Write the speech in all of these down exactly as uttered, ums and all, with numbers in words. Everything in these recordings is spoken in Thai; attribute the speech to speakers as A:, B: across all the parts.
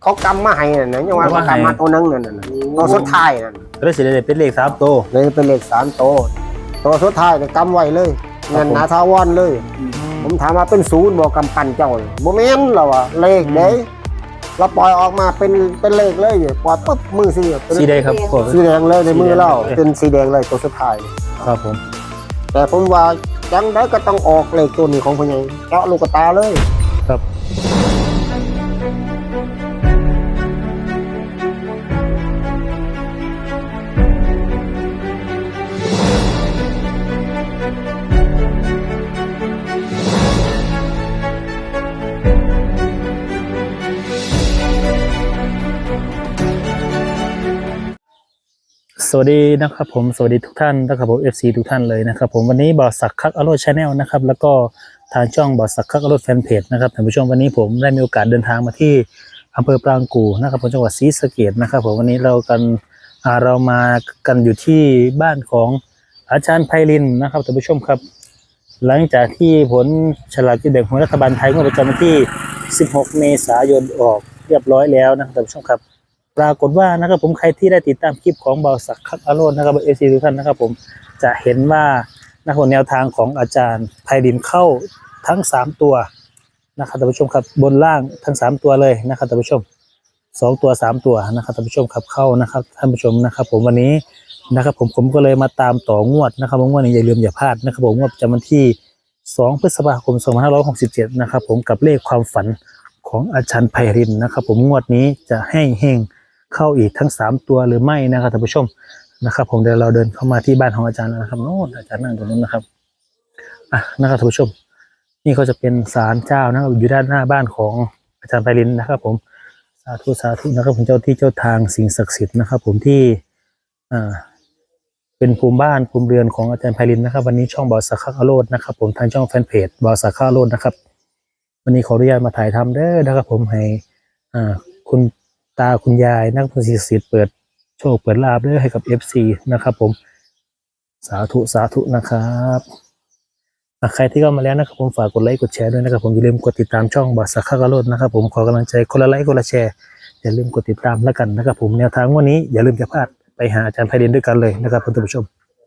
A: เขากำมาให้น่ะนะยังว่าเขากำมาตัวนึงนั่นน่ะตัวสุดท้ายนั่น
B: เลยสิได้เป็นเลขสามตัว
A: เลยเป็นเลขสามตัวตัวสุดท้ายเนี่ยกำไว้เลยเงินนาทาวอนเลยผมถามว่าเป็นศูนย์บอกกำปั้นเจ้าโมเมนต์เราอะเลขเด้เราปล่อยออกมาเป็นเป็นเลขเลยปล่อยปุ๊บมือสี
B: สีแดงครับ
A: สีแดงเลยในมือเราเป็นสีแดงเลยตัวสุดท้าย
B: ครับผม
A: แต่ผมว่าจังได้ก็ต้องออกเลขตัวนี้ของพญาเจาะลูกตาเลย
B: ครับสวัสดีนะครับผมสวัสดีทุกท่านนะครับผม เอฟ ซี ทุกท่านเลยนะครับผมวันนี้บอสสักคักอโรดชาแนลนะครับแล้วก็ทางช่องบอสสักคักอโรดแฟนเพจนะครับท่านผู้ชมวันนี้ผมได้มีโอกาสเดินทางมาที่อำเภอปรางกู่นะครับผมจังหวัดศรีสะเกษนะครับผมวันนี้เรากันเรามากันอยู่ที่บ้านของอาจารย์ไพลินนะครับท่านผู้ชมครับหลังจากที่ผลฉลากกินแบ่งของรัฐบาลไทยงวดประจำวันที่สิบหกเมษายนออกเรียบร้อยแล้วนะครับท่านผู้ชมครับปรากฏว่านะครับผมใครที่ได้ติดตามคลิปของเบาสักคักอโรดนะครับเอซีทุกท่านนะครับผมจะเห็นว่านะครับแนวทางของอาจารย์ไพลินเข้าทั้งสามตัวนะครับท่านผู้ชมครับบนล่างทั้งสามตัวเลยนะครับท่านผู้ชมสองตัวสามตัวนะครับท่านผู้ชมครับเข้านะครับท่านผู้ชมนะครับผมวันนี้นะครับผมผมก็เลยมาตามต่องวดนะครับงวดนี้อย่าลืมอย่าพลาดนะครับผมงวดประจำวันที่สองพฤษภาคมสองพันห้าร้อยหกสิบเจ็ดนะครับผมกับเลขความฝันของอาจารย์ไพลินนะครับผมงวดนี้จะให้เฮงเข้าอีกทั้งสามตัวหรือไม่นะครับท่านผู้ชมนะครับผมเดี๋ยวเราเดินเข้ามาที่บ้านของอาจารย์นะครับโน่นอาจารย์นั่งตรงนู้นนะครับอ่ะนะครับท่านผู้ชมนี่ก็จะเป็นศาลเจ้านะครับอยู่ด้านหน้าบ้านของอาจารย์ไพลินนะครับผมสาธุสาธุนะครับผมเจ้าที่เจ้าทางสิ่งศักดิ์สิทธิ์นะครับผมที่อ่าเป็นภูมิบ้านภูมิเรือนของอาจารย์ไพลินนะครับวันนี้ช่องบอสสักคักอโรดนะครับผมทางช่องแฟนเพจบอสสักคักอโรดนะครับวันนี้ขออนุญาตมาถ่ายทำเด้อนะครับผมให้อ่าคุณตาคุณยายนักพสิทธิ์เปิดโชคเปิดลาบด้วยให้กับ เอฟ ซี นะครับผมสาธุสาธุนะครับใครที่เข้ามาแล้วนะครับผมฝากกดไลค์กดแชร์ด้วยนะครับผมอย่าลืมกดติดตามช่องบอสสักคักอโรดนะครับผมขอกำลังใจคนละไลค์คนละแชร์อย่าลืมกดติดตามแล้วกันนะครับผมแนวทางวันนี้อย่าลืมจะพลาดไปหาอาจารย์ไพลินด้วยกันเลยนะครับท่านผู้ชม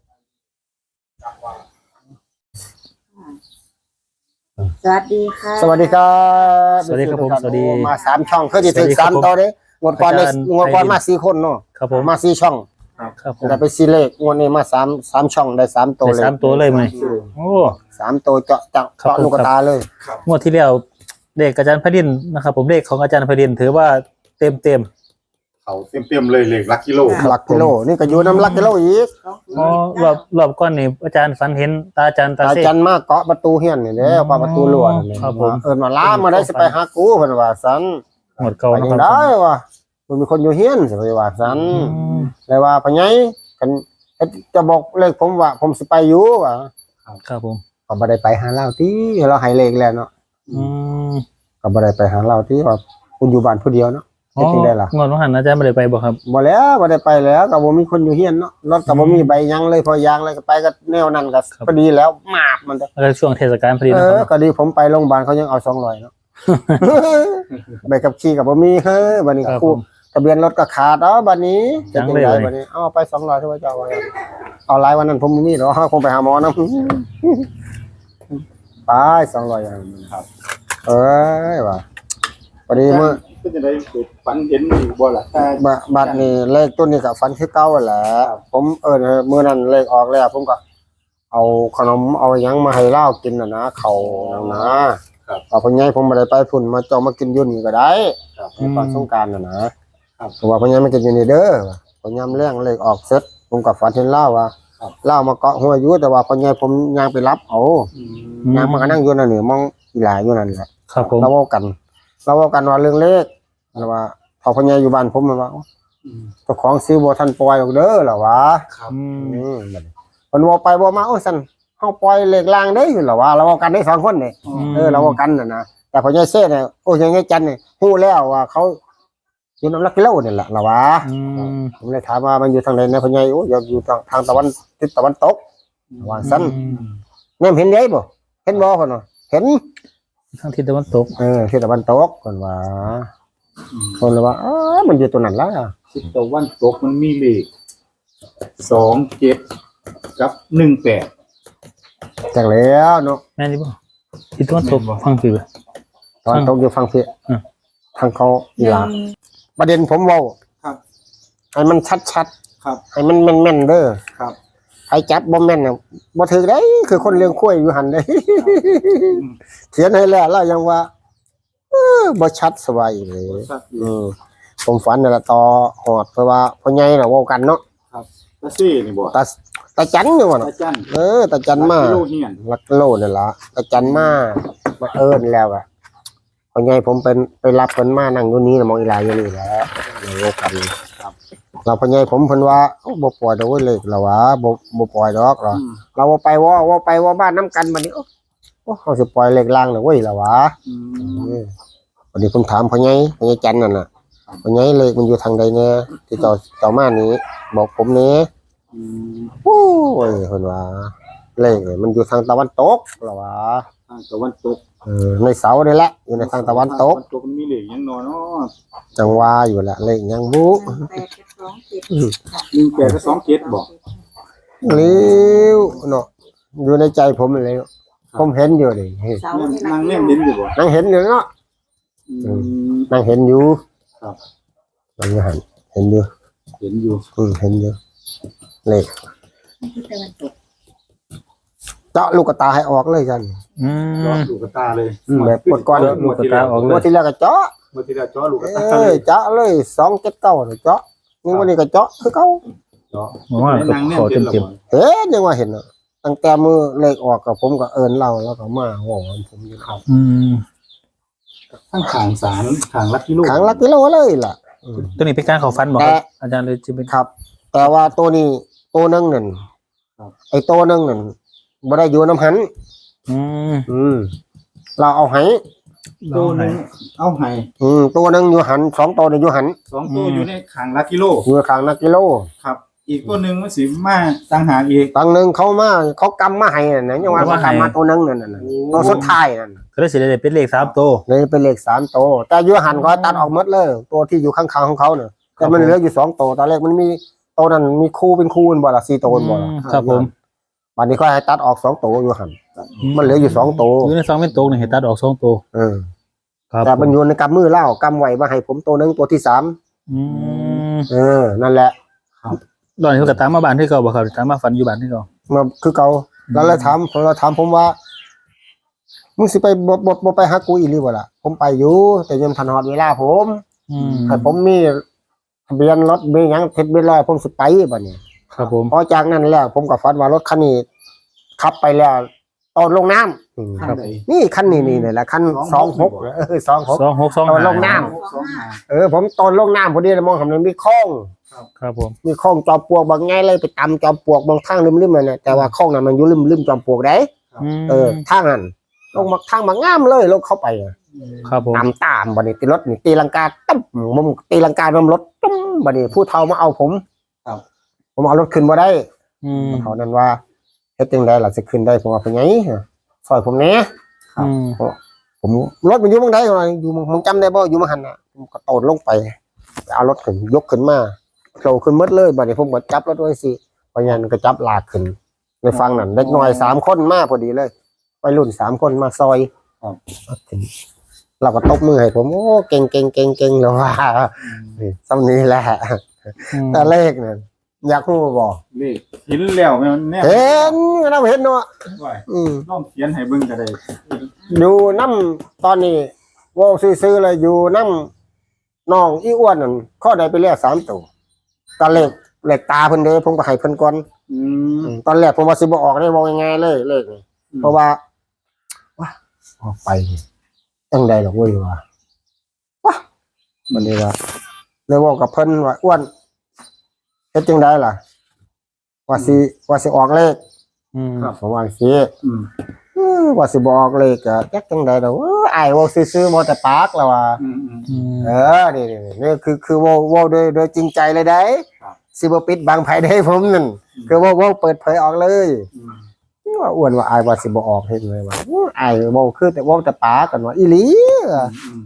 C: สวัสดีค่ะ
A: สวัสดีครับ
B: สวัสดีครับผมสวัสดี
A: มาสามช่องเคยจะถึงสามตัวเด้งวดก่อนในงวดก่อนมาสี่คนเนาะ
B: ครับผม
A: มาสี่ช่อง
B: ครับผม
A: แต่ไปสี่เลขงวดนี้มาสามสามช่องได้สามตัวเลย
B: สามตัวเลยไหมโอ้
A: สามตัวเจาะเจาะเจาะลูกตาเลย
B: งวดที่แล้วเลขอาจารย์ไพลินนะครับผมเลขของอาจารย์ไพลินถือว่าเต็มเต็ม
D: เขาเต็มเต็มเลยเลขลักกิโล
A: ลักกิโลนี่ก็อยู่น้ำลักกิโลอีก
B: อ๋อรอบรอบก้อนนี่อาจารย์ฝันเห็นตาอาจารย์ตา
A: อาจารย์มาเกาะประตูเฮียนนี่เด้เกาะประตูหลวงนี่ครับผมเอิ้นมาล้ามาได้สิไปหากูเพิ่นว่าซั่น
B: หมดเก่า
A: ไปยังได้ว่ะมันมีคนอยู่เฮียนสิไปว่าซั่นเลยว่าพ่อใหญ่กันจะบอกเลขผมว่าผมสิไปอยู่ว่า
B: ครับผม
A: ก็บ่ได้ไปหาเราติเราให้เลขแล้วเนาะ
B: อืม
A: ก็บ่ได้ไปหาเราติว่าคุณอยู่บ้านผู้เดียวเนาะ
B: จริงได้ล่ะงอนว่าหันอาจารย์บ่ได้ไปบ่ครับ
A: บ่แล้วบ่ได้ไปแล้วก็บ่มีคนอยู่เฮียนเนาะรถก็บ่มีใบยังเลยพอยางเลยก็ไปก็แนวนั้นก็พอดีแล้วมาบมัน
B: แล้วช่วงเทศกาลพอดี
A: เออก็ดีผมไปโรงพยาบาลเขายังเอาสองร้อยเนาะใบขับขี่ก็บ่มีเฮ้ยบัดนี้คู่ทะเบียนรถก็ขาดเนาะบัดนี้จะจังได๋บัดนี้เอาไปสองร้อยเท่าเจ้าว่าเอาหลายวันนั้นผมบ่มีดอกผมไปหาหมอนำไปสองร้อยครับเอ้ยว่าพอดีมื้อ
D: เป็นยังไงฝันเห็นอยู่บ่ล่ะ
A: บัดนี้เลขตัวนี้ก็ฝันคือเก่าแหละผมเออมื้อนั้นเลขออกแล้วผมก็เอาขนมเอาหยังมาให้เล่ากินน่ะนะข้าวนั่นนะครับเอาพ่อใหญ่ผมบ่ได้ไปพุ่นมาจองมากินอยู่นี่ก็ได้ครับตอนสงกรานต์น่ะนะครับเพราะว่าพ่อใหญ่มากินอยู่นี่เด้อพ่อยามแรงเลขออกเสร็จผมก็ฝันเห็นเล่าว่าเล่ามาเกาะหัวอยู่แต่ว่าพ่อใหญ่ผมย่างไปรับเอาย่างมาก็นั่งอยู่นั่นนี่มองอีหลาอยู่นั่นแหละ
B: ครับผม
A: เราเว้ากันเราเว้ากันว่าเรื่องเลขแล้วว่าพอพ่อใหญ่อยู่บ้านผมมันว่าเจ้าของซื้อบ่ทันปล่อยออกเด้อล่ะวะ
B: ครับ
A: อืมมันบ่ไปบ่มาโอ้ซั่นเฮาปล่อยเลขล่างได้อยู่ล่ะวะเราเว้ากันได้สองคนนี่เออเราเว้ากันน่ะนะแต่พ่อใหญ่เซ่เนี่ยโอ้ยายจันนี่ฮู้แล้วว่าเขาอยู่นำลักกิโลนี่แหละล่ะวะผมเลยถามว่ามันอยู่ทางไหนนะพ่อใหญ่โอ้ยอยู่ทางทางตะวันทิศตะวันตกว่าซั่นแม่นเห็นได้บ่เห็นบ่เพิ่นว่าเห็น
B: ทางทิศตะวันตก
A: เออทิศตะวันตกเพิ่นว่าคนเลยว่าเออมันอยู่ตัวนั้นแล้ว
D: ทิศตะวันตกมันมีเลขสองเจ็ดกับหนึ่งแปด
A: จากแล้วเนาะ
B: แม่นดิบ่ที่ตัวตกฟังคือ
A: ตอนตกอยู่ฟังเพีย
B: อืม
A: ทางเขาอีหลาประเด็นผมเว่า
D: ครับ
A: ให้มันชัด
D: ครับ
A: ๆให้มันแม่นๆเด้อ
D: ครับ
A: ใครจับบ่แม่นน่ะบ่ถือได้คือคนเลี้ยงข้วยอยู่หั่นเด้ เขียนให้แล้วแล้วยังว่าเออบ่ชัดสบายเลย
D: ครับ
A: อืมผมฝันนั่นล่ะต่อหอดเพราะว่าพ่อใหญ่น่ะเว้ากันเนาะ
D: ครับตาซี่นี่บ่
A: ตาตาจันอยู่ว่าน่ะ
D: ตาจัน
A: เออตาจันมา
D: โลเฮียน
A: ลักโลนั่นล่ะตาจันมามาเอิ้นแล้วอ่ะพ่อใหญ่ผมเป็นไปรับเพิ่นมานั่งอยู่นี้น่ะมองอีหลายอยู่นี่แหละเว้ากันครับเราพ่อใหญ่ผมเพิ่นว่าโอ้บ่ปล่อยดอกเว้ยเลขแล้ววะบ่บ่ปล่อยดอกหรอ
D: อืม
A: เราว่าไปว่าว่าไปว่าบ้านน้ำกันบัดนี้โอ้โอ้เขาสิปล่อยเลขล่างน่ะเว้ยแล้ววะ
D: อืม
A: เออวันนี้ผมถามพ่อใหญ่พ่อใหญ่จันนั่นน่ะพ่อใหญ่เลขมันอยู่ทางใดแน่ที่เจ้าเจ้ามานี้บอกผมแหน่
D: อืม
A: โอ้ยเพิ่นว่าเลขเนี่ยมันอยู่ทางตะวันตกแล้ววะ
D: ทางตะวันตก
A: เออในเสานี่แหละอยู่ในทางตะวันตก
D: ตะวันตกมันมีเลขหยังนอนเนาะ
A: จังหวาอยู่แหละเลขยังบุ
C: แปดกับสองเจ็ด
D: หนึ่งแปดกับสองเจ็ดบ่
A: เลี้ยวเนาะอยู่ในใจผมเลยผมเห็นอยู่ดิเฮ้ย
C: เสา
D: นั่ง
C: นี่
D: นั่งแนมเห็นอยู่บ่
A: นั่งเห็นอยู่เนาะ
D: อืม
A: นั่งเห็นอยู่
D: ครับ
A: นั่งอยู่หันเห็นอยู่
D: เห็นอยู่
A: อืมเห็นอยู่เลข
C: ที่ตะวันตก
A: เจาะลูกตาให้ออกเลยกัน
B: อื
D: รอ
B: ม
D: ลูกตาเลย
A: อืมแบบปวดก้อน
D: ลูกตาออก
A: เมื่อที่แล้วก็เจาะ
D: เมื่อที่เราจ่อลูก
A: เอ
D: ตาเล
A: อย เจาะเลยสองเจ็ดเก้าเนี่ยเจาะนี่วันนี้ก็เจาะคือเขา
D: จ่อ
B: ผมว่าก็
D: นั่งแน
B: ขอ
D: มเห็น
B: เต็ม
D: แล้ว
B: เต็ม
D: บ่
A: เห็นยังว่าเห็นอ่ะตั้งแต่มือเลขออกกับผมก็เอินเราแล้วก็มาโอ้โหผมอยู่ครับ
B: อืม
D: ข้างขางสารขางลักกิโล
A: ขังลักกิโลเลยล่ะอืม
B: ตัวนี้เป็นการเข้าฟันบ่ครับอาจารย์เลยจะเป็น
A: ครับ แต่ว่าตัวนี้ตัวหนึงนั่นไอ้ตัวหนึงนั่นบ่ได้อยู่น้ำหัน
B: อืม
A: อืมเราเอาให้
D: ตัวหนึงเอาให้
A: อืมตัวหนึงอยู่หันสองตัวนี่อยู่หัน
D: สองตัวอยู่ในขางลักกิโล
A: อยู่ข้างนักกิโล
D: ครับ อีกตัวหนึงมันสิมาต่างหากอีก
A: บางหนึงเขามาเขากำมาให้น่ะนะยังว่าเขากำมาตัวหนึงนั่นน่ะนะตัวสุดท้ายนั่นน่ะ
B: ก็ได้สิได้เป็นเลขสามตัว
A: เลยเป็นเลขสามตัวแต่อยู่หันเขาตัดออกหมดเลย ตัวที่อยู่ข้างๆของเขาเนี่ยแต่มันเหลืออยู่สองตัวตอนแรกมันมีตัวนั้นมีคู่เป็นคู่เป็นบ่ล่ะสี่ตัวเป็นบ่ล่ะ
B: อืมครับผม
A: บัดนี้ก็ให้ตัดออกสองตัวอยู่หันมันเหลืออยู่สองตัว
B: อยู่ในสองเป็นตัวนี่ให้ตัดออกสองตัว
A: เออ
B: ครับ
A: แต่มันอยู่ในกำมือเล่ากำไว้มาให้ผมตัวหนึงตัวที่สาม
B: อืม
A: เออนั่นแหละ
B: ตอนนี้เขาก็ตามมาบ้านที่เก่าบ่ครับตามมาฝันอยู่บ้านที่เก่า
A: มาคือเก่าแล้วเลยถามผมเราถามผมว่ามึงสิไปบ่บ่บ่ไปหากูอีหรือบ่ล่ะผมไปอยู่แต่ยังทันฮอดเวลาผม
B: อืม
A: ให้ผมมีทะเบียนรถมีหยังเท็จเบียนร้อยผมสิไปบัดนี้
B: ครับผม
A: พอจากนั้นแล้วผมก็ฝันว่ารถคันนี้ขับไปแล้วตอนลงน้ำอืม
D: ข้างใด
A: นี่คันนี้นี่นี่แหละคันสองหกเออสองหก
B: สองหกสอง
A: ตอนลง
B: ห้า
A: น้
D: สองหา
A: เออผมตอนลงน้ำพอดีเลยมองเห็นมันมีคลอง
B: ครับผม
A: มีคลองจอมปลวกบางไงเลยไปตำจอมปลวกบางทางริมๆนั่นน่ะแต่ว่าคลองนั้นมันอยู่ริมริมจอมปลวกได้
B: ม
A: เออทางนั้นลงมาทางมางามเลยลงเข้าไปอะ
B: ครับผม
A: ตามตามบัดนี้ตีรถนี่ตีลังกาตั้มมุมตีลังกามุมรถตั้มบัดนี้ผู้เฒ่ามาเอาผมผมเอารถขึ้นมาได้
B: อืม
A: เขานั้นว่าเฮ็ดจังไดล่ะสิขึ้นได้ผมว่าเป็นไงซอยผมแหน่
B: อืม
A: ผมรถมันอยู่เมืองใดวะอยู่เมืองมึงจำได้บ่อยู่มาหันน่ะผมก็โตดลงไปเอารถขึ้นยกขึ้นมาโผล่ขึ้นหมดเลยบัดนี้ผมก็จับรถไว้สิเพราะงั้นก็จับลากขึ้นในฟังนั่นเด็กน้อยสามคนมาพอดีเลยวัยรุ่นสามคนมาซอยเอาขึ้นเราก็ตบมือให้ผมโอ้เก่งเก่งเก่งเก่งแล้วว่านี่ซ้ำนี้แหละ
B: อืม
A: แต่เลขนั่นอยากรู้บ่
D: เลขเห็นแล้วแม่นแน่
A: เห็นเราเห็นเนาะ
D: ว่า
A: อืม
D: ลองเขียนให้เบิ่งก็ได้
A: อยู่น้ำตอนนี้เว่าซื้อๆเลยอยู่น้ำน้องอีอ้วนนั่นข้อใดไปเรียกสามตัวตอนเลขเลขตาเพิ่นเด้ผมก็ให้เพิ่นก่อน
D: อืม
A: ตอนแรกผมว่าสิบ่ออกได้บอกง่ายๆเลยเลขนี่เพราะว่าว้าออกไปจังใดดอกเว้ยว่าว้ามันนี่ว่าเลยบอกกับเพิ่นว่าอ้วนเฮ็ดจังไดล่ะ ว่าสิว่าสิออกเลข
B: อืม
A: ผมว่าสิ
D: อืม
A: เออว่าสิบอกเลขอะจักจังใดดอกเอออ้ายเว้าซื่อๆบ่แต่ปากแล้วว่า
D: อืมอืม
B: อืม
A: เออนี่นี่นี่คือคือเว่าเว่าโดยโดยจริงใจเลยได้
D: ครับ
A: สิบปิดบังไผได้ผมนั่นคือเว่าเว่าเปิดเผยออกเลย
D: อืม
A: ว่าอ้วนว่าอายว่าสิบ่ออกเฮ็ดเลยว่าอู้อายเว้าคือแต่เว้าแต่ปากกันว่าอีหลี
D: อืม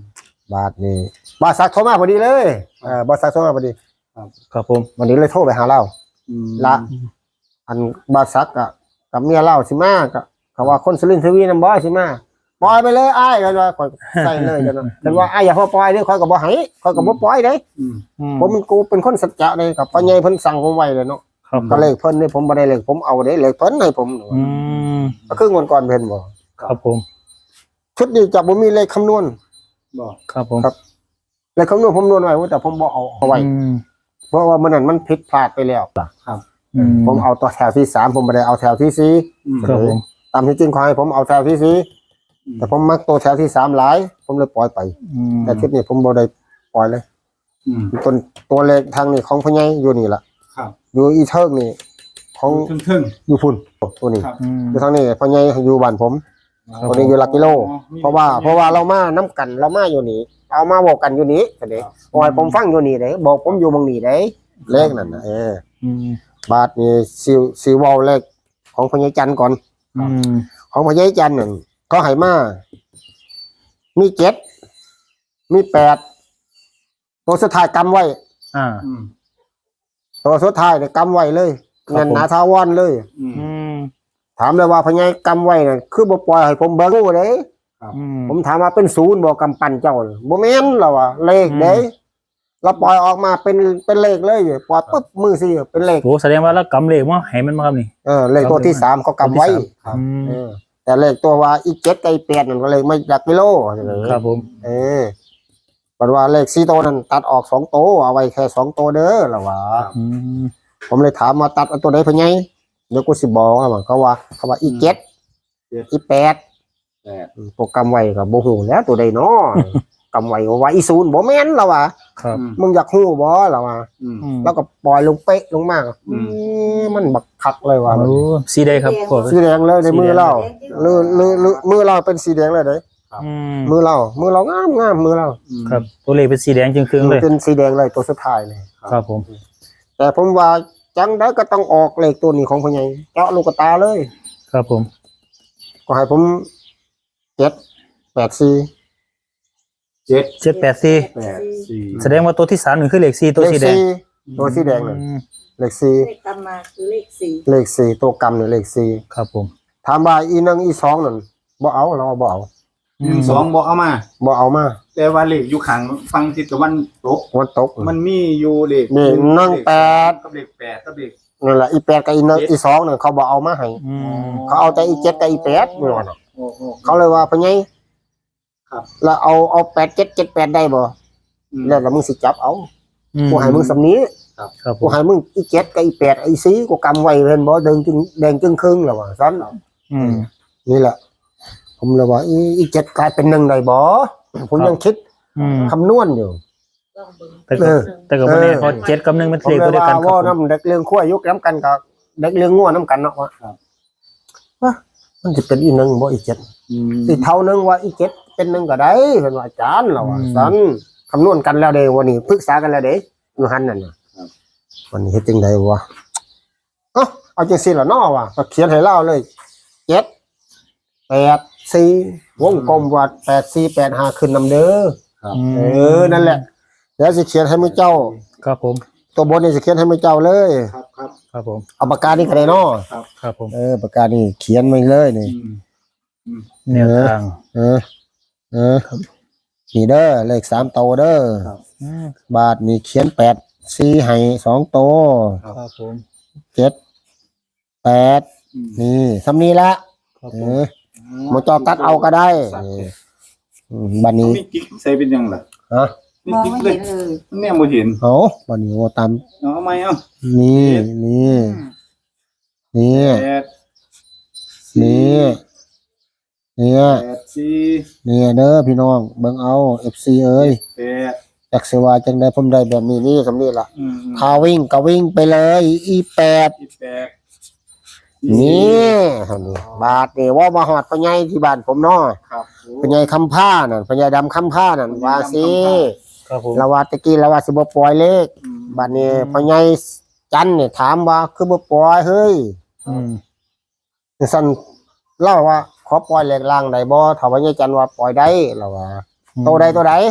A: บาทนี่บาทสักโทรมาพอดีเลยเออบาทสักโทรมาพอดี
B: ครับผม
A: วันนี้เลยโทรไปหาเรา
D: อืม
A: ละอันบาทสักอะกับเมียเล่าสิมาก็เขาว่าคนสุรินทร์ทวีน้ำบ่สิมาปล่อยไปเลยอ้ายกันว่าคอยใส่เลยกันเนาะกันว่าอ้ายอย่าพอปล่อยเด้อคอยก็บ่ให้คอยก็บ่ปล่อยเด้
D: อืม
A: ผมมันกูเป็นคนสัจจะเลยกับพ่อใหญ่เพิ่นสั่งผมไว้เลยเนาะ
B: ครับ
A: ก็เลขเพิ่นนี่ผมบ่ได้เลขผมเอาเด้เลขเพิ่นให้ผม
B: อืม
A: ก็คืองวดก่อนเพิ่นบ่
B: ครับผม
A: ชุดนี้จะบ่มีเลขคำนวณ
D: บอก
B: ครับผม
A: ครับ เลขคำนวณผมนวณไว้แต่ผมบ่เอาเอาไว้
B: อืม
A: เพราะว่ามันนั้นมันผิดพลาดไปแล้ว
B: อืม
A: ผมเอาตัวแถวที่สามผมไม่ได้เอาแถวที่สี่
D: อืม
B: ครับผม
A: ตามที่จริงขอให้ผมเอาแถวที่สี่แต่ผมมักตัวแถวที่สามหลาย ผมเลยปล่อยไป
B: อืม
A: แต่ชุดนี้ผมบ่ได้ปล่อยเลย
D: อืม
A: ตัวตัวเลขทางนี้ของพ่อใหญ่อยู่นี่ล่ะ
D: ครับ
A: อยู่อีเทิงนี่ของ
D: ทึ่งทึ่ง
A: อยู่พุ่นตัวนี้
D: ครับ
B: อืม
A: อยู่ทางนี้พ่อใหญ่อยู่บ้านผม
B: ครับ
A: ตัวนี้อยู่หลักกิโล
D: อ๋อมี
A: เพราะว่าเพราะว่าเรามาน้ำกันเรามาอยู่นี่เอามาบอกกันอยู่นี่ก็เด้
D: ครับ
A: ปล่อยผมฟังอยู่นี่เด้บอกผมอยู่บางนี่เด้เลขนั่นน่ะเออ
B: อืม
A: บาทนี่ซิวซิวเวาเลขของพ่อใหญ่จันทร์ก่อน
B: อืม
A: ของพ่อใหญ่จันทร์หนึ่งก็ให้มามีเจ็ดมีแปดตัวสุดท้ายกำไว้
B: อ่า
D: อืม
A: ตัวสุดท้ายเนี่ยกำไว้เลย
B: ครับ
A: เงิน
B: ผม
A: หนาทาวอนเลย
D: อืม
B: อืม
A: ถามเลยว่าพ่อใหญ่กำไว้น่ะคือบ่ปล่อยให้ผมเบิ่งเลย
B: อืม
A: ผมถามว่าเป็นศูนย์บ่กำปั้นเจ้าน่ะบ่แม่นหรอวะเลขเด้
B: อืม
A: เราปล่อยออกมาเป็นเป็นเลขเลยปล่อยปุ๊บมือสิเป็นเลข
B: โหแสดงว่าแล้วกำเลขว่าให้มันมาครับนี่
A: เออเลขตัวที่สามเขากำไว้
D: ครับ
B: อืม
A: เออแต่เลขตัวว่าอีเจ็ดกับอีแปดนั่นก็เลยไม่จากกิโล
B: ครับผม
A: เออปันว่าเลขสี่ตัวนั้นตัดออกสองตัวเอาไว้แค่สองตัวเด้อละวะ
B: อืม
A: ผมเลยถามมาตัดเอาตัวไหนพะไงเดี๋ยวกูสิบอกว่าเขาว่าเขาว่าอีเจ็ดอีแปด
D: แปด
A: โปรแกรมไว้กับโบหูแล้วตัวใดเนาะ กำไว้ว่าอีศูนย์บ่แม่นละวะ
B: ครับ
D: อืม
A: มึงอยากหู้บ่ละวะ
D: อืม
B: อืม
A: แล้วก็ปล่อยลงเป๊ะลงมาก
D: อืม
A: มันบักคักเลยว่ะ
B: โอ้สีใดครับขวด
A: สีแดงเลยในมือเราลือลือลือมือเราเป็นสีแดงเลยเด้
B: อืม
A: มือเรา มือเรางามงามมือเรา
D: อืม
B: ครับ ตัวเลขเป็นสีแดงจึงครึ่งๆเลย
A: เป็นสีแดงเลยตัวสุดท้ายเลย
B: ครับผม
A: แต่ผมว่าจังได้ก็ต้องออกเลขตัวนี้ของพ่อใหญ่เจาะลูกตาเลย
B: ครับผม
A: ก็ให้ผมเจ็ดแปดสี่
D: เจ็ด
B: เจ็ดแปดสี่
D: แปดสี่
B: แสดงว่าตัวที่สามหนึ่งคือเลขสี่ตัว
A: เลข
B: สีแดง
A: สี่ตัวสีแดงเลย
B: อืม
A: เลขสี่
C: เลขกำมาคือเลขสี่
A: เลขสี่ตัวกำเนี่ยเลขสี่
B: ครับผม
A: ถามว่าอีหนึ่งอีสองนั่นบ่เอาเราบ่เอา
D: หนึ่งสองบอกเอามา
A: บ่เอามา
D: แต่ว่าเลขอยู่ข้างฟังทิศตะวันตก
A: วันตก
D: มันมีอยู่เลข
A: นี่นั่งแปด
D: กับเลขแปดกับเลข
A: นั่นแหละอีแปดกับอีหนึ่งอีสองนั่นเขาบ่เอามาให้
B: อืม
A: เขาเอาแต่อีเจ็ดกับอีแปดนี่ว่าน่ะ
D: โอ้โห
A: เขาเลยว่าพ่อใหญ่
D: ครับ
A: แล้วเอาเอาแปดเจ็ดเจ็ดแปดได้บ่
D: อืม
A: แล้วแล้วมึงสิจับเอา
B: อืม
A: กูให้มึงสำนี้
B: ครับผ
A: กู
B: ม
A: ให้มึงอีเจ็ดกับอีแปดอีสีกูกำไว้เห็นบ่เดินจึงแดงจึงครึ่งแล้วว่าซั่น
B: อืม
A: นี่แหละ ผมเลยว่าอีอีเจ็ดกลายเป็นหนึ่งได้บ่ผมยังคิด
B: อืม
A: คำนวณอยู่
C: ต้องเบิ่ง
B: แต่
A: เอ
B: ก็
A: อ
B: แต่ก็วันนี้เขาเจ็ดกับหนึ่งเป็น
A: ผม
B: เลข
A: เล
B: ตัวย เดียว
A: ว่า
B: กันครั
A: ว่า
B: บผม
A: น้ำเด็กเลี้ยงขั้วยุกน้ำกันกับเด็กเลี้ยงงัวน้ำกันเนาะว่าว่ามันจะเป็นอีหนึ่งบ่อีเจ็ด
D: อืม
A: อีเท่านึงว่าอีเจ็ดเป็นหนึ่งก็ได้เพิ่นว่าอาจารย์เราว่าซั่นคำนวณกันแล้วเด้วันนี้ปรึกษากันแล้วเด้อยู่หันนั่นน่ะวันนี้เฮ็ดจังไดวะเอ้าเอาจังซี่ล่ะเนาะว่ะก็เขียนให้เล่าเลยเจ็ดแปดสี่วงกลมว่าแปดสี่แปดห้าขึ้นนำเด้อ
D: ครับ
B: อืม
A: เออนั่นแหละเดี๋ยวสิเขียนให้มื้อเจ้า
B: ครับผม
A: ตัวบนนี่สิเขียนให้มื้อเจ้าเลย
D: ครับครับ
B: ครับผม
A: เอาปากกานี่ก็ได้เนาะ
B: ครับผม
A: เออปากกานี่เขียนมาเลยนี่
D: อืม
B: แนวทาง
A: เออ เออนี่เด้อเลขสามโตวเด้อ
B: อืม
A: บาทนี่เขียนแปดสี่ให้สองโตว
B: ครับผม
A: เจ็ดแปด
D: อืม
A: นี่สำนี้ละ
B: ครับ
A: เอ
B: ผม
A: อหมอจอตัดเอาก็ได้นี่อืมบัดนี้
D: มีกิ๊กใส่เป็นยังล่ะ
A: ฮะ
D: มี
C: มอง
D: กิ๊ก
C: ไม่
D: เล
C: เห็
D: ย
C: นเลย
D: เนี่ยบ่เห็น
A: เอาบัดนี้ว่าตาม
D: เอาไหมเอา
A: นี่นี่นี่
D: แปด
A: นี่เนี่ย
D: แปดสี่
A: เนี่ยเด้อพี่น้องเบิ่งเอา เอฟ ซี เอ้ย
D: แปด
A: จักสิว่าจังได๋ผมได้แบบนี้นี่สำนี้ล่ะ
D: อืมอืม
A: พาวิ่งก็วิ่งไปเลยอีแปด
D: อีแปด
A: นี่หั่นนี่บาทนี่ว่ามาหอดพ่อใหญ่ที่บ้านผมเนาะ
D: ครับ
A: พ่อใหญ่คำผ้านั่นพ่อใหญ่ดำคำผ้านั่นว่าสิ
B: ครับผม
A: ละว่าตะกี้ละว่าสิบ่ปล่อยเลข
D: อืม
A: บัดนี้พ่อใหญ่จันเนี่ยถามว่าคือบ่ปล่อยเฮ้ย
B: อืม
A: สั่นเล่าว่าขอปล่อยเลขล่างได้บ่ถ้าว่าใหญ่จันว่าปล่อยได้ละว่าโตใดโตใด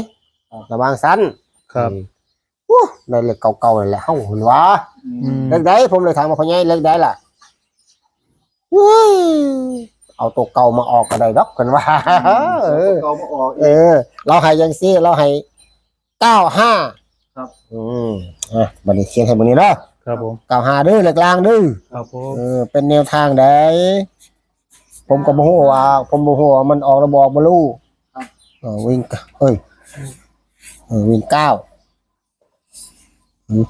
A: ระวังสั้น
B: ครับ
A: อู้ได้เลขเก่าๆนั่นแหละเฮ้าเห็นวะ
B: อืม
A: เลขใดผมเลยถามว่าพ่อใหญ่เลขใดล่ะเฮ้ยเอาตัวเก่ามาออกก็ได้ดอกกันว่าเออ
D: เก่ามาออก
A: เออ เราให้ยังซี่เราให้เก้าห้า
D: ครับ
A: อืมอ่ะบัดนี้เขียนให้บัดนี้เนาะ
B: ครับผม
A: เก้าห้าเด้อเลขกลางเด้อ
B: ครับผม
A: เออเป็นแนวทางใดผมก็บ่ฮู้ว่าผมบ่ฮู้ว่ามันออกระบอกบ่รู้เออวิ่งเอ้ยเออวิ่งเก้าอืม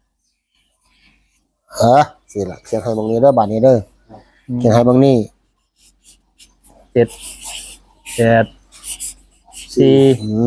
A: เออสิล่ะเขียนให้บังนี้เด้อบัดนี้เด้อเขียนให้บังนี้
B: เจ็ดแปดสี่
A: อืม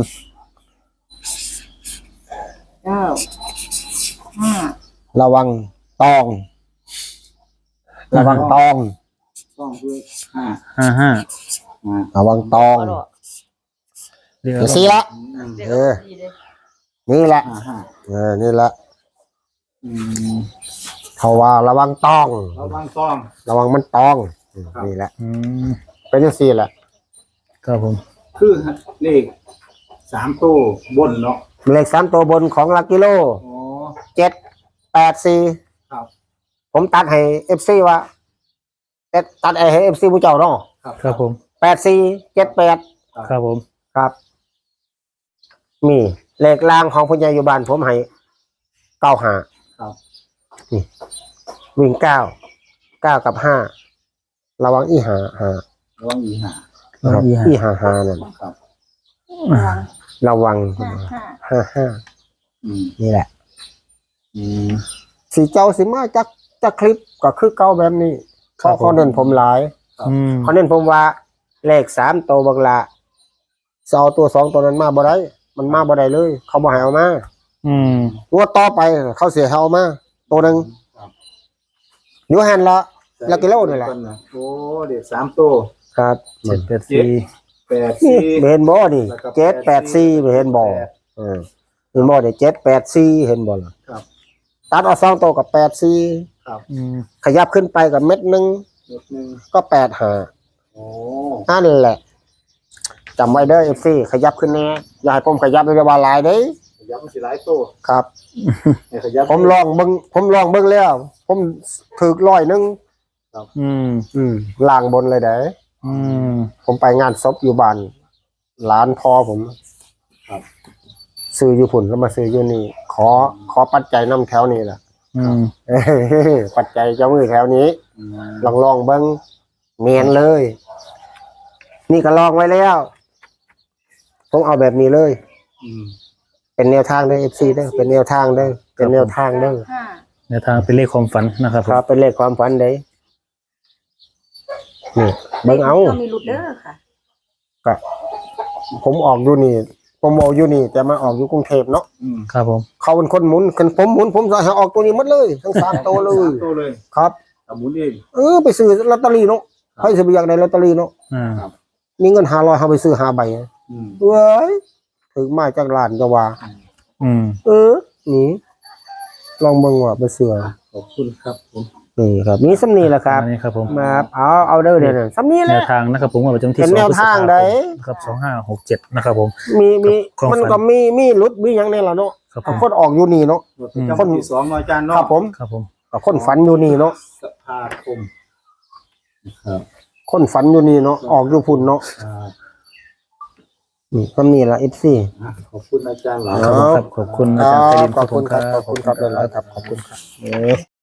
C: เก้าห้า
A: ระวังตอง ระวังตอง
D: ต้องด้วยห้า
B: ห้าห้า
D: อ่า
A: ระวังตอง
B: เรียก
A: เดี๋ยวสิละ
D: อืม
C: เรียก
A: เออ
C: สี่เลย
A: นี่แหละ
D: ห้าห้า
A: เออนี่แหละ
D: อืม
A: เขาว่าระวังตอง
D: ระวังต้อง
A: ระวังมันตองอืม
D: ครับ
A: นี่แหละ
B: อืม
A: เป็นจังซี่แหละ
B: ครับผม
D: คือเลขสามตัวบนเนาะ
A: เลขสามตัวบนของลักกิโล
D: อ๋อ
A: เจ็ดแปดสี่
D: ครับ
A: ผมตัดให้เอฟซีว่าเอ็ดตัดให้เอฟซีผู้เจ้าเนาะ
D: ครับ
B: ครับผม
A: แปดสี่เจ็ดแปด
B: ครับผม
A: ครับ มีเลขล่างของพญายุบาลผมให้เก้าห้า
D: ครับ
A: วิ่งเก้าเก้ากับห้าระวังอีหาหา
D: ระวังอีห้า
A: ครับ
B: อีหา
A: อีหาหานั่น
D: ครับ
A: ระวัง
C: ห้าห้า
A: ห้าห้า
D: อืม
A: นี่แหละ
D: อืม
A: สีเจ้าสิมาจักจักคลิปก็คือเก้าแบบนี้เพราะเขาเน้นผมหลาย
B: อืม
A: เขาเน้นผมว่าเลขสามตัวบักละสเอาตัวสองตัวนั้นมาบ่ได้มันมาบ่ได้เลย เขาบ่ให้เอามา
B: อืม
A: งวดต่อไปเขาเสียให้เอามาตัวหนึ่ง
D: ครับ
A: อยู่หันละ แล้วกิโลนี่แหละ
D: โอ้เด็กสามตัว
A: ครับ
B: เจ็ดแปดสี่
D: แปด
A: นี่
D: สี่
A: เห็นบ่นี่
D: แล้วก็
A: เจ็ดแปดสี่เห็นบ่
D: แปด
A: เออเห็นบ่เดี๋ยวเจ็ดแปดสี่เห็นบ่ล่ะ
D: ครับ
A: ตัดเอาสองตัวกับแปดสี่
D: ครับ
B: อืม
A: ขยับขึ้นไปกับเม็ดหนึ่ง
D: เม็ดหนึ่ง
A: ก็แปดห้า
D: โอ้
A: นั่นแหละจำไว้เด้อเอฟซีขยับขึ้นแน่อย่าให้ผมขยับเลยว่าหลายเด้
D: ขยับมันสิหลายตัว
A: ครับ
D: ให้ขยับ
A: ผมลองเบิ่งผมลองเบิ่งแล้ว ผมถือร้อยหนึง
B: อืม
A: อืมล่างบนเลยเด้
B: อืม
A: ผมไปงานศพอยู่บ้านหลานพ่อผม
D: ครับ
A: ซื้ออยู่พุ่นแล้วมาซื้ออยู่นี่ ขอขอปัจจัยน้ำแถวนี้แหละ
B: อืม
A: เอ้ยปัจจัยเจ้ามือแถวนี้
D: อืม
A: ลองลองเบิ้งเนียนเลย นี่ก็ลองไว้แล้วผมเอาแบบนี้เลย
D: อืม
A: เป็นแนวทางเด้อเอฟซีเด้อเป็นแนวทางเด้อเป็นแนวทางเด้อ
C: ห้า
B: ในทางเป็นเลขความฝันนะครับผม
A: ครับเป็นเลขความฝันเด้นี่เบิ้งเอา
C: ต้องมีหลุดเด้อค่ะ
A: ก็ผมออกอยู่นี่ ผมออกอยู่นี่ แต่มาออกอยู่กรุงเทพเนาะ
D: อืม
B: ครับผม
A: เขาเป็นคนหมุนคนผมหมุนผมจะให้ออกตัวนี้หมดเลยทั้งสามตัวเลย
D: สามตัวเลย
A: ครับ
D: สมุนเอง
A: เออไปซื้อลอตเตอรี่เนาะใครจะไปอยากได้ลอตเตอรี่เนาะ
B: อ่า
A: มีเงินห้าร้อยเขาไปซื้อห้าใบ
D: อืม
A: เว้ยถึงมาจากร้านจะว่า
B: อืม
A: เออนี่ลองเบิ่งว่าไปเสือ
D: ขอบคุณครับผม
A: นี่ครับมีสำนีแหละครับ
B: อันนี้ครับผม
A: มาเอาเอาเด้อเดี๋ยวนั้นสำนีแห
B: แน
A: ละ
B: วทางนะครับผมว่าประจำที่
A: เป็นแนวทางใด
B: ครับสองห้าหกเจ็ดนะครับผม
A: มีมี
B: ของ
A: มัน
B: ฝัน
A: ก็มีมีรุดมีหยังในละเนาะ
B: ครับผ
A: กับ
B: ม
A: คนออกอยู่นี่เนาะ
D: รถประจำวันที่สองเนาะอาจารย์
A: ค
D: เนาะ
A: รับผม
B: ครับผม
A: กับคนฝันอยู่นี่เนาะ
D: สภาคมครับ
A: คนฝันอยู่นี่เนาะออกอยู่พุ่นเนาะ
D: อ่า
A: นี่สำนีละเอฟซี
D: อ่ะขอบคุณอาจารย์หลาย
B: ครับผมครับขอบคุณอาจารย์ไพรินทร์
A: ขอบคุณครับ
B: ผม
A: ขอบคุณครับหลายๆครับขอบคุณครับ